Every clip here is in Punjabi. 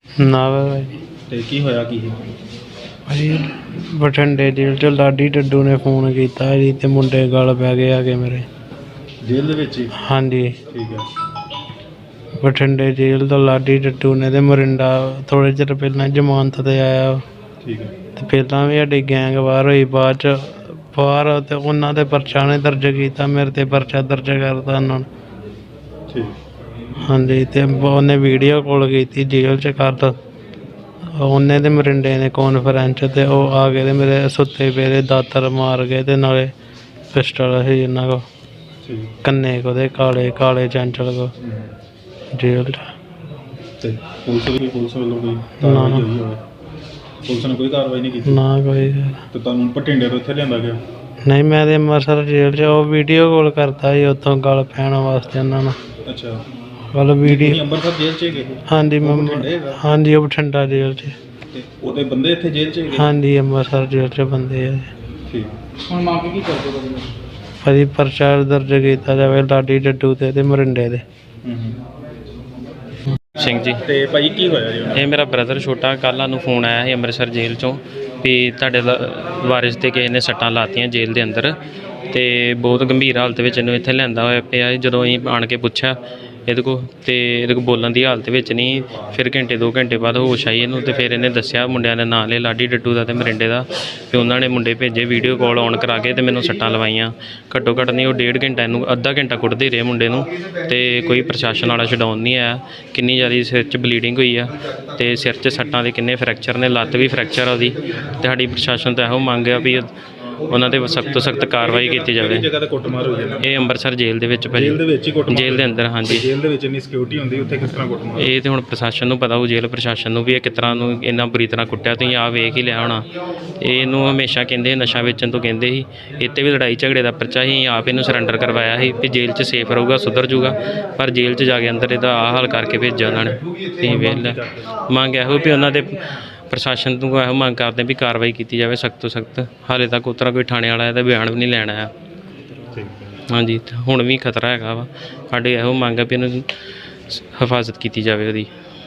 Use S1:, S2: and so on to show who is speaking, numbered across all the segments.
S1: ਨਾ ਭਾਜੀ।
S2: ਤੇ ਕੀ ਹੋਇਆ ਕੀ ਸੀ?
S1: ਭਾਜੀ ਬਠਿੰਡੇ ਜੇਲ੍ਹ 'ਚ ਲਾਡੀ ਡੱਡੂ ਨੇ ਫੋਨ ਕੀਤਾ ਜੀ ਤੇ ਮੁੰਡੇ ਗਲ ਪੈ ਗਏ ਆ ਕੇ ਮੇਰੇ।
S2: ਜੇਲ੍ਹ ਦੇ ਵਿੱਚ ਹੀ?
S1: ਹਾਂਜੀ
S2: ਠੀਕ ਹੈ।
S1: ਬਠਿੰਡੇ ਜੇਲ੍ਹ ਤੋਂ ਲਾਡੀ ਡੱਡੂ ਨੇ ਤੇ ਮੋਰਿੰਡਾ ਥੋੜ੍ਹੇ ਚਿਰ ਪਹਿਲਾਂ ਜ਼ਮਾਨਤ 'ਤੇ ਆਇਆ
S2: ਠੀਕ ਹੈ।
S1: ਤੇ ਪਹਿਲਾਂ ਵੀ ਸਾਡੀ ਗੈਂਗ ਵਾਰ ਹੋਈ ਬਾਅਦ 'ਚ ਬਾਹਰ ਤੇ ਉਹਨਾਂ ਦੇ ਪਰਚਾ ਨੇ ਦਰਜ ਕੀਤਾ, ਮੇਰੇ 'ਤੇ ਪਰਚਾ ਦਰਜ ਕਰਤਾ ਉਹਨਾਂ ਨੇ।
S2: ਠੀਕ।
S1: ਹਾਂਜੀ ਤੇ ਉਹਨੇ ਵੀਡੀਓ ਕਾਲ ਕੀਤੀ ਜੇਲ੍ਹ 'ਚ ਕਰ ਉਹਨੇ ਤੇ ਮਰਿੰਡੇ ਨੇ ਕਾਨਫਰੰਸ ਤੇ ਉਹ ਆ ਗਏ ਤੇ ਮੇਰੇ ਸੁੱਤੇ ਪਏ ਦੇ ਦਾਤਰ ਮਾਰ ਗਏ ਤੇ ਨਾਲੇ ਪਿਸਟਲ ਸੀ ਇਹਨਾਂ ਕੋਲ
S2: ਠੀਕ।
S1: ਕੰਨੇ ਉਹਦੇ ਕਾਲੇ ਕਾਲੇ ਚੰਚਲ ਕੋ ਜੇਲ੍ਹ 'ਚ।
S2: ਤੇ ਪੁਲਿਸ ਵੱਲੋਂ ਕੋਈ
S1: ਨਾ
S2: ਕਾਰਵਾਈ ਹੋਈ ਹੋਵੇ? ਪੁਲਿਸ ਨੇ ਕੋਈ ਕਾਰਵਾਈ ਨਹੀਂ ਕੀਤੀ?
S1: ਨਾ ਕੋਈ।
S2: ਤੇ ਤੁਹਾਨੂੰ ਭਟਿੰਡੇ ਤੋਂ ਇੱਥੇ ਲਿਆਂਦਾ ਗਿਆ?
S1: ਨਹੀਂ ਮੈਂ ਤੇ ਅੰਮ੍ਰਿਤਸਰ ਜੇਲ੍ਹ 'ਚ ਉਹ ਵੀਡੀਓ ਕਾਲ ਕਰਤਾ ਸੀ ਉੱਥੋਂ ਗਲ ਪੈਣ ਵਾਸਤੇ ਉਹਨਾਂ ਨੂੰ।
S2: ਅੱਛਾ।
S1: ਗੱਲ ਵੀਡੀਓ।
S2: ਤੁਸੀਂ ਅੰਮ੍ਰਿਤਸਰ ਜੇਲ੍ਹ 'ਚ ਗਏ?
S1: ਹਾਂਜੀ
S2: ਉਹ
S1: ਮੈਂ
S2: ਬਠਿੰਡੇ ਹੈਗਾ?
S1: ਹਾਂਜੀ ਉਹ ਬਠਿੰਡਾ ਜੇਲ੍ਹ 'ਚ।
S2: ਤੇ ਉਹਦੇ ਬੰਦੇ ਇੱਥੇ ਜੇਲ੍ਹ 'ਚ ਗਏ?
S1: ਹਾਂਜੀ ਅੰਮ੍ਰਿਤਸਰ ਜੇਲ੍ਹ 'ਚ ਬੰਦੇ ਆ।
S2: ਠੀਕ। ਹੁਣ ਮੰਗ ਕੀ ਕਰਦੇ ਹੋ?
S1: ਭਾਜੀ ਪਰਚਾ ਦਰਜ ਕੀਤਾ ਜਾਵੇ ਲਾਡੀ ਡੱਡੂ ਤੇ ਮਰਿੰਡੇ ਦੇ।
S3: ਸਿੰਘ ਜੀ।
S2: ਤੇ ਭਾਈ ਕੀ ਹੋਇਆ ਜੀ?
S3: ਇਹ ਮੇਰਾ ਬ੍ਰਦਰ ਛੋਟਾ, ਕੱਲ੍ਹ ਸਾਨੂੰ ਫੋਨ ਆਇਆ ਸੀ ਅੰਮ੍ਰਿਤਸਰ ਜੇਲ੍ਹ 'ਚੋਂ ਵੀ ਤੁਹਾਡੇ ਵਾਰਿਸ 'ਤੇ ਕਿਸੇ ਨੇ ਸੱਟਾਂ ਲਾਤੀਆਂ ਜੇਲ੍ਹ ਦੇ ਅੰਦਰ ਅਤੇ ਬਹੁਤ ਗੰਭੀਰ ਹਾਲਤ ਵਿੱਚ ਇਹਨੂੰ ਇੱਥੇ ਲਿਆਂਦਾ ਹੋਇਆ ਪਿਆ। ਜਦੋਂ ਅਸੀਂ ਆਣ ਕੇ ਪੁੱਛਿਆ ਇਹਦੇ ਕੋਲ ਬੋਲਣ ਦੀ ਹਾਲਤ ਵਿੱਚ ਨਹੀਂ। ਫਿਰ ਘੰਟੇ 2 ਘੰਟੇ ਬਾਅਦ ਹੋਸ਼ ਆਈ ਇਹਨੂੰ ਅਤੇ ਫਿਰ ਇਹਨੇ ਦੱਸਿਆ ਮੁੰਡਿਆਂ ਦੇ ਨਾਂ ਲਿਆ ਲਾਡੀ ਡੱਡੂ ਦਾ ਅਤੇ ਮਰਿੰਡੇ ਦਾ। ਅਤੇ ਉਹਨਾਂ ਨੇ ਮੁੰਡੇ ਭੇਜੇ ਵੀਡੀਓ ਕਾਲ ਔਨ ਕਰਾ ਕੇ ਅਤੇ ਮੈਨੂੰ ਸੱਟਾਂ ਲਵਾਈਆਂ। ਘੱਟੋ ਘੱਟ ਨਹੀਂ ਉਹ 1.5 ਘੰਟਾ ਇਹਨੂੰ ਅੱਧਾ ਘੰਟਾ ਕੁੱਟਦੇ ਰਹੇ ਮੁੰਡੇ ਨੂੰ ਅਤੇ ਕੋਈ ਪ੍ਰਸ਼ਾਸਨ ਵਾਲਾ ਛਡਾਉਣ ਨਹੀਂ ਆਇਆ। ਕਿੰਨੀ ਜ਼ਿਆਦਾ ਸਿਰ 'ਚ ਬਲੀਡਿੰਗ ਹੋਈ ਆ ਅਤੇ ਸਿਰ 'ਚ ਸੱਟਾਂ ਦੇ ਕਿੰਨੇ ਫਰੈਕਚਰ ਨੇ, ਲੱਤ ਵੀ ਫਰੈਕਚਰ ਆ ਉਹਦੀ। ਅਤੇ ਸਾਡੀ ਪ੍ਰਸ਼ਾਸਨ ਤੋਂ ਇਹੋ ਮੰਗ ਆ ਵੀ ਉਹਨਾਂ 'ਤੇ ਸਖਤ ਤੋਂ ਸਖਤ ਕਾਰਵਾਈ ਕੀਤੀ ਜਾਵੇ।
S2: ਕਿਹੜੀ ਜਗ੍ਹਾ 'ਤੇ ਕੁੱਟਮਾਰ ਹੋਈ ਹੈ?
S3: ਇਹ ਅੰਮ੍ਰਿਤਸਰ ਜੇਲ੍ਹ ਦੇ ਵਿੱਚ ਭਾਜੀ।
S2: ਜੇਲ੍ਹ ਦੇ ਵਿੱਚ ਹੀ ਕੁੱਟਮਾਰ?
S3: ਜੇਲ੍ਹ ਦੇ ਅੰਦਰ, ਹਾਂਜੀ।
S2: ਜੇਲ੍ਹ ਦੇ ਵਿੱਚ ਇੰਨੀ ਸਿਕਿਉਰਿਟੀ ਹੁੰਦੀ, ਉੱਥੇ ਕਿਸ ਤਰ੍ਹਾਂ ਕੁੱਟਮਾਰ?
S3: ਇਹ ਤਾਂ ਹੁਣ ਪ੍ਰਸ਼ਾਸਨ ਨੂੰ ਪਤਾ ਹੋਊ, ਜੇਲ੍ਹ ਪ੍ਰਸ਼ਾਸਨ ਨੂੰ ਵੀ ਇਹ ਕਿਸ ਤਰ੍ਹਾਂ ਨੂੰ ਇੰਨਾ ਬੁਰੀ ਤਰ੍ਹਾਂ ਕੁੱਟਿਆ। ਤੁਸੀਂ ਆਹ ਵੇਖ ਹੀ ਲਿਆ ਹੋਣਾ। ਇਹਨੂੰ ਹਮੇਸ਼ਾ ਕਹਿੰਦੇ ਨਸ਼ਾ ਵੇਚਣ ਤੋਂ ਕਹਿੰਦੇ ਸੀ। ਇੱਥੇ ਵੀ ਲੜਾਈ ਝਗੜੇ ਦਾ ਪਰਚਾ ਸੀ, ਆਪ ਇਹਨੂੰ ਸਰੈਂਡਰ ਕਰਵਾਇਆ ਸੀ ਵੀ ਜੇਲ੍ਹ 'ਚ ਸੇਫ ਰਹੂਗਾ, ਸੁਧਰ ਜੂਗਾ। ਪਰ ਜੇਲ੍ਹ 'ਚ ਜਾ ਕੇ ਅੰਦਰ ਇਹਦਾ ਆਹ ਹਾਲ ਕਰਕੇ ਭੇਜਿਆ ਉਹਨਾਂ ਨੇ। ਤੁਸੀਂ ਵੇਖ ਲਿਆ। ਮੰਗ ਇਹੋ ਵੀ ਉਹਨਾਂ ਦੇ ਪ੍ਰਸ਼ਾਸਨ ਤੋਂ ਇਹੋ ਮੰਗ ਕਰਦੇ ਵੀ ਕਾਰਵਾਈ ਕੀਤੀ ਜਾਵੇ ਸਖਤ ਤੋਂ ਸਖਤ। ਹਾਲੇ ਤੱਕ ਉਸ ਤਰ੍ਹਾਂ ਕੋਈ ਥਾਣੇ ਵਾਲਾ ਇਹਦਾ ਬਿਆਨ ਵੀ ਨਹੀਂ ਲੈਣ ਆਇਆ। ਹਾਂਜੀ ਹੁਣ ਵੀ ਖਤਰਾ ਹੈਗਾ ਵਾ। ਸਾਡੇ ਇਹੋ ਮੰਗ ਆ ਵੀ ਇਹਨੂੰ ਹਿਫਾਜ਼ਤ ਕੀਤੀ ਜਾਵੇ ਉਹਦੀ।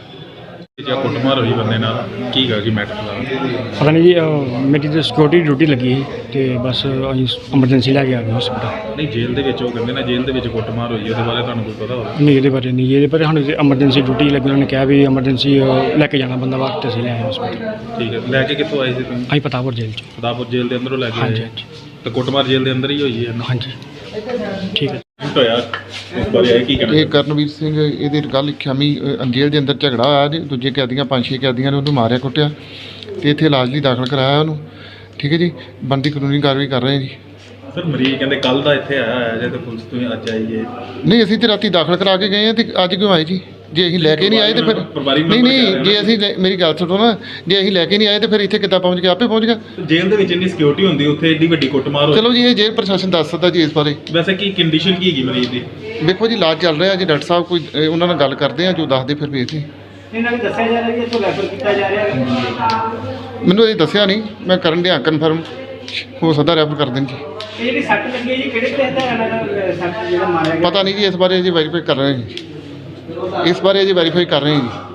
S2: ਜਾਂ ਕੁੱਟਮਾਰ ਹੋਈ ਬੰਦੇ ਨਾਲ, ਕੀ ਗਾ ਜੀ ਮੈਟਰ ਦਾ?
S4: ਪਤਾ ਨਹੀਂ ਜੀ, ਮੇਰੀ ਤਾਂ ਸਿਕਿਉਰਿਟੀ ਡਿਊਟੀ ਲੱਗੀ ਸੀ ਅਤੇ ਬਸ ਅਸੀਂ ਐਮਰਜੈਂਸੀ ਲੈ ਕੇ ਆ ਗਏ ਹਸਪਤਾਲ।
S2: ਨਹੀਂ ਜੇਲ੍ਹ ਦੇ ਵਿੱਚ ਉਹ ਕਹਿੰਦੇ ਨਾ ਜੇਲ੍ਹ ਦੇ ਵਿੱਚ ਕੁੱਟਮਾਰ ਹੋਈ, ਉਹਦੇ ਬਾਰੇ ਤੁਹਾਨੂੰ ਕੋਈ ਪਤਾ ਹੋਵੇ?
S4: ਨਹੀਂ ਇਹਦੇ ਬਾਰੇ ਨਹੀਂ ਜੀ, ਇਹਦੇ ਬਾਰੇ ਸਾਨੂੰ ਐਮਰਜੈਂਸੀ ਡਿਊਟੀ ਲੱਗੀ, ਉਹਨਾਂ ਨੇ ਕਿਹਾ ਵੀ ਐਮਰਜੈਂਸੀ ਲੈ ਕੇ ਜਾਣਾ ਬੰਦਾ ਵਾਸਤੇ, ਅਸੀਂ ਲੈ ਆਏ ਹਸਪਤਾਲ।
S2: ਠੀਕ ਹੈ। ਲੈ ਕੇ ਕਿੱਥੋਂ ਆਏ ਸੀ ਤੁਸੀਂ?
S4: ਅਸੀਂ ਪਤਾਪੁਰ ਜੇਲ੍ਹ 'ਚ।
S2: ਪਤਾਪੁਰ ਜੇਲ੍ਹ ਦੇ ਅੰਦਰੋਂ ਲੈ ਕੇ ਆਏ?
S4: ਹਾਂਜੀ ਹਾਂਜੀ
S2: ਤੇ ਕੁੱਟਮਾਰ ਜੇਲ੍ਹ ਦੇ ਅੰਦਰ ਹੀ ਹੋਈ ਹੈ?
S4: ਹਾਂਜੀ ਠੀਕ ਹੈ।
S2: ਹੋਇਆ ਇਸ ਬਾਰੇ ਕੀ ਕਹਿਣਾ?
S5: ਇਹ ਕਰਨਵੀਰ ਸਿੰਘ, ਇਹਦੀ ਗੱਲ ਖਿਆਮੀ ਜੇਲ੍ਹ ਦੇ ਅੰਦਰ ਝਗੜਾ ਹੋਇਆ ਜੀ। ਦੂਜੇ ਕੈਦੀਆਂ 5-6 ਕੈਦੀਆਂ ਨੇ ਉਹਨੂੰ ਮਾਰਿਆ ਕੁੱਟਿਆ ਅਤੇ ਇੱਥੇ ਇਲਾਜ ਲਈ ਦਾਖਲ ਕਰਾਇਆ ਉਹਨੂੰ। ਠੀਕ ਹੈ ਜੀ, ਬਣਦੀ ਕਾਨੂੰਨੀ ਕਾਰਵਾਈ ਕਰ ਰਹੇ ਹਾਂ ਜੀ।
S2: ਸਰ ਮਰੀਜ਼ ਕਹਿੰਦੇ ਕੱਲ੍ਹ ਦਾ ਇੱਥੇ ਆਇਆ ਜੇ ਤੇ ਪੁਲਿਸ ਤੋਂ ਅੱਜ ਆਈਏ?
S5: ਨਹੀਂ ਅਸੀਂ ਤਾਂ ਰਾਤੀ ਦਾਖਲ ਕਰਾ ਕੇ ਗਏ ਹਾਂ ਅਤੇ ਅੱਜ ਕਿਉਂ ਆਏ ਜੀ? ਜੇ ਅਸੀਂ ਲੈ ਕੇ ਨਹੀਂ ਆਏ ਤਾਂ ਫਿਰ ਨਹੀਂ ਜੇ ਅਸੀਂ ਮੇਰੀ ਗੱਲ ਸੁਣੋ ਨਾ, ਜੇ ਅਸੀਂ ਲੈ ਕੇ ਨਹੀਂ ਆਏ ਤਾਂ ਫਿਰ ਇੱਥੇ ਕਿੱਦਾਂ ਪਹੁੰਚ ਗਿਆ? ਆਪੇ ਪਹੁੰਚ ਗਿਆ।
S2: ਜੇਲ੍ਹ ਦੇ ਵਿੱਚ ਇੰਨੀ ਸਿਕਿਉਰਿਟੀ ਹੁੰਦੀ, ਉੱਥੇ ਏਡੀ ਵੱਡੀ ਕੁੱਟਮਾਰ ਹੋਈ।
S5: ਚਲੋ ਜੀ ਇਹ ਜੇਲ੍ਹ ਪ੍ਰਸ਼ਾਸਨ ਦੱਸ ਸਕਦਾ ਜੀ ਇਸ ਬਾਰੇ।
S2: ਵੈਸੇ ਕੀ ਕੰਡੀਸ਼ਨ ਕੀ ਹੈਗੀ ਮਰੀਜ਼ ਦੀ?
S5: ਵੇਖੋ ਜੀ ਇਲਾਜ ਚੱਲ ਰਿਹਾ ਜੀ, ਡਾਕਟਰ ਸਾਹਿਬ ਕੋਈ ਉਹਨਾਂ ਨਾਲ ਗੱਲ ਕਰਦੇ ਆ, ਜੋ ਦੱਸਦੇ ਫਿਰ ਵੇਖਦੇ।
S6: ਇਹਨਾਂ ਨੂੰ ਦੱਸਿਆ ਜਾ ਰਿਹਾ ਕਿ ਇੱਥੋਂ ਰੈਫਰ ਕੀਤਾ ਜਾ ਰਿਹਾ ਹੈ?
S5: ਮੈਨੂੰ ਇਹ ਦੱਸਿਆ ਨਹੀਂ, ਮੈਂ ਕਰਨ ਡਿਆ ਕਨਫਰਮ, ਹੋ ਸਕਦਾ ਰੈਫਰ ਕਰ ਦੇਣ ਜੀ।
S6: ਇਹ ਜਿਹੜੀ ਸੱਟ ਲੱਗੀ ਹੈ ਜੀ, ਕਿਹੜੇ ਕਿਹੜੇ ਹਥਿਆਰਾਂ ਨਾਲ ਸੱਟ ਜਿਹੜਾ ਮਾਰਿਆ ਗਿਆ?
S5: ਪਤਾ ਨਹੀਂ ਜੀ, ਇਸ ਬਾਰੇ ਅਜੇ ਵੈਰੀਫਾਈ ਕਰ ਰਹੇ ਹਾਂ ਜੀ। ਇਸ ਬਾਰੇ ਅਜੇ ਵੈਰੀਫਾਈ ਕਰ ਰਹੇ ਹਾਂ ਜੀ।